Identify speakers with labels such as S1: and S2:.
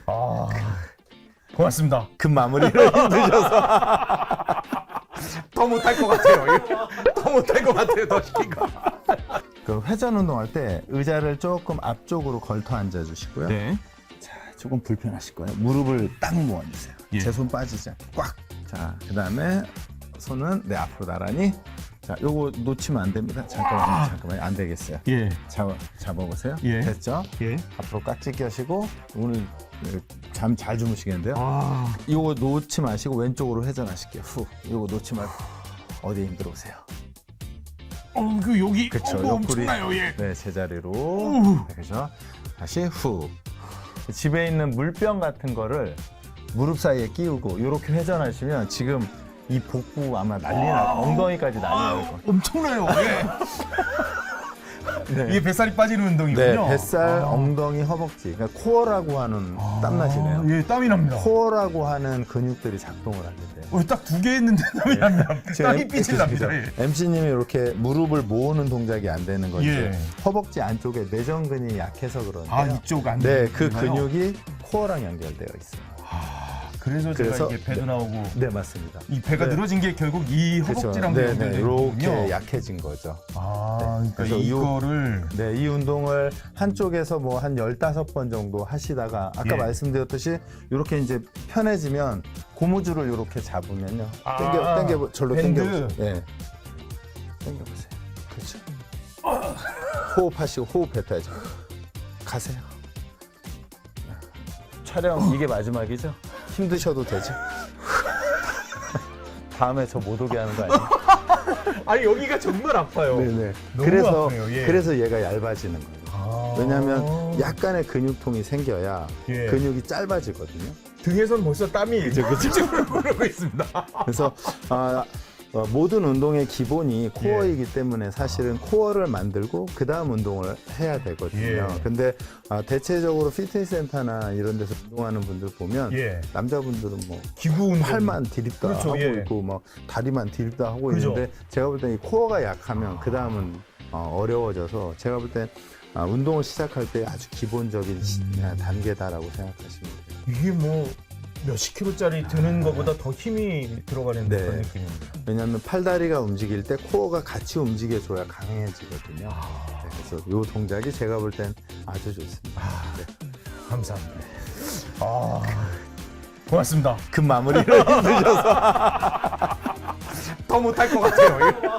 S1: 아, 고맙습니다.
S2: 급 마무리를 힘드셔서
S1: 더 못할 것 같아요. 더 못할 것 같아요. 더 시키고.
S2: 그 회전 운동할 때 의자를 조금 앞쪽으로 걸터 앉아 주시고요.
S1: 네.
S2: 자, 조금 불편하실 거예요. 무릎을 딱 모아주세요.
S1: 예.
S2: 제 손 빠지지 않고 꽉. 자, 그 다음에 손은 내 앞으로 나란히. 자, 요거 놓치면 안 됩니다. 잠깐만요. 안 되겠어요.
S1: 예.
S2: 잡아보세요.
S1: 예.
S2: 됐죠?
S1: 예.
S2: 앞으로 깍지 껴시고 오늘 잠 잘 주무시겠는데요?
S1: 아,
S2: 요거 놓지 마시고 왼쪽으로 회전하실게요. 후. 요거 놓지 말고 어디 힘들어 오세요.
S1: 그 여기
S2: 그쵸.
S1: 뭐
S2: 옆구리.
S1: 엄청나요. 예.
S2: 네, 제자리로.
S1: 우.
S2: 그죠? 다시 후. 집에 있는 물병 같은 거를 무릎 사이에 끼우고 이렇게 회전하시면 지금 이 복부 아마 난리 날 엉덩이까지 난리 날 거예요.
S1: 엄청나요. 예.
S2: 네.
S1: 이게 뱃살이 빠지는 운동이군요.
S2: 네, 뱃살,
S1: 아.
S2: 엉덩이, 허벅지. 그러니까 코어라고 하는 땀나시네요.
S1: 예, 땀이 납니다.
S2: 코어라고 하는 근육들이 작동을 하게 돼요.
S1: 딱 두 개 했는데 땀이 납니다. 땀이 삐질 납니다. 예.
S2: MC님이 이렇게 무릎을 모으는 동작이 안 되는 건 이제
S1: 예.
S2: 허벅지 안쪽에 내전근이 약해서 그런데요.
S1: 아, 이쪽 안
S2: 네, 그
S1: 되나요?
S2: 근육이 코어랑 연결되어 있어요.
S1: 그래서 제가
S2: 그래서-
S1: 이게 배도 나오고
S2: 네, 맞습니다.
S1: 이 배가
S2: 네.
S1: 늘어진 게 결국 이 허벅지랑
S2: 네,
S1: 연결되어
S2: 이렇게
S1: 있군요.
S2: 약해진 거죠.
S1: 아,
S2: 네.
S1: 그러니까
S2: 그래서
S1: 이거를
S2: 네, 이 운동을 한쪽에서 뭐 한 15번 정도 하시다가 아까
S1: 예.
S2: 말씀드렸듯이 이렇게 이제 편해지면 고무줄을 이렇게 잡으면요.
S1: 아,
S2: 당겨 절로
S1: 밴드.
S2: 당겨보세요. 네. 당겨보세요. 그렇죠. 호흡하시고 호흡 뱉어야죠. 가세요. 촬영 이게 마지막이죠? 힘드셔도 되죠? 다음에 저 못 오게 하는 거 아니에요?
S1: 아니 여기가 정말 아파요.
S2: 네네.
S1: 너무
S2: 그래서
S1: 아프네요, 예.
S2: 그래서 얘가 얇아지는 거예요.
S1: 아.
S2: 왜냐하면 약간의 근육통이 생겨야
S1: 예.
S2: 근육이 짧아지거든요.
S1: 등에선 벌써 땀이
S2: 그죠.
S1: 흐르고 있습니다.
S2: 그래서 모든 운동의 기본이 코어이기 때문에 사실은 코어를 만들고 그 다음 운동을 해야 되거든요.
S1: 예.
S2: 근데 대체적으로 피트니스 센터나 이런 데서 운동하는 분들 보면
S1: 예.
S2: 남자분들은 뭐
S1: 기구 운동.
S2: 팔만 디립다
S1: 그렇죠,
S2: 하고
S1: 예.
S2: 있고 막 다리만 디립다 하고
S1: 그죠.
S2: 있는데 제가 볼 때 이 코어가 약하면 그 다음은 어려워져서 제가 볼 때 운동을 시작할 때 아주 기본적인 단계다라고 생각하시면 돼요.
S1: 이게 뭐 몇십 킬로짜리 드는 것보다 더 힘이 들어가는
S2: 네.
S1: 그런 느낌입니다.
S2: 왜냐하면 팔다리가 움직일 때 코어가 같이 움직여줘야 강해지거든요. 네, 그래서 이 동작이 제가 볼 땐 아주 좋습니다. 네.
S1: 감사합니다. 고맙습니다.
S2: 급 마무리를 힘드셔서
S1: 더 못할 것 같아요.